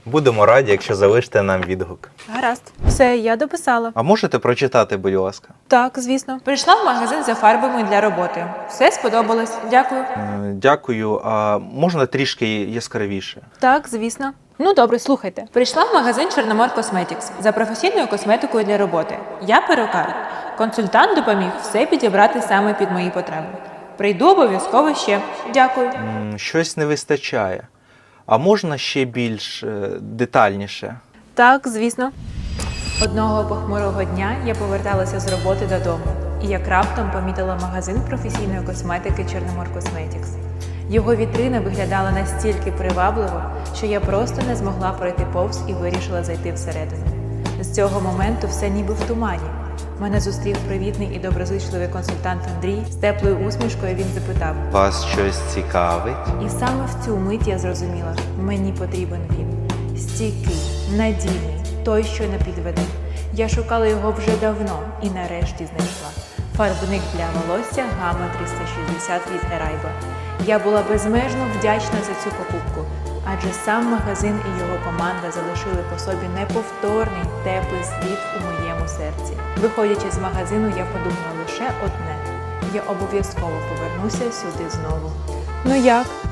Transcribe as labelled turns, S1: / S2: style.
S1: Будемо раді, якщо залишите нам відгук.
S2: Гаразд. Все, я дописала.
S1: А можете прочитати, будь ласка?
S2: Так, звісно. Прийшла в магазин за фарбами для роботи. Все сподобалось. Дякую.
S1: Дякую. А можна трішки яскравіше?
S2: Так, звісно. Ну добре, слухайте. Прийшла в магазин Чорномор Cosmetics за професійною косметикою для роботи. Я перукар. Консультант допоміг все підібрати саме під мої потреби. Прийду обов'язково ще. Дякую.
S1: Щось не вистачає. А можна ще більш детальніше?
S2: Так, звісно. Одного похмурого дня я поверталася з роботи додому і як раптом помітила магазин професійної косметики Чорномор Cosmetics. Його вітрина виглядала настільки привабливо, що я просто не змогла пройти повз і вирішила зайти всередину. З цього моменту все ніби в тумані. Мене зустрів привітний і доброзичливий консультант Андрій. З теплою усмішкою він запитав:
S1: Вас щось цікавить?
S2: І саме в цю мить я зрозуміла, мені потрібен він. Стійкий, надійний, той, що не підведе. Я шукала його вже давно і нарешті знайшла. Фарбник для волосся Gamma 360 від Ерайба. Я була безмежно вдячна за цю покупку, адже сам магазин і його команда залишили по собі неповторний, теплий слід у моєму серці. Виходячи з магазину, я подумала лише одне: я обов'язково повернуся сюди знову. Ну як?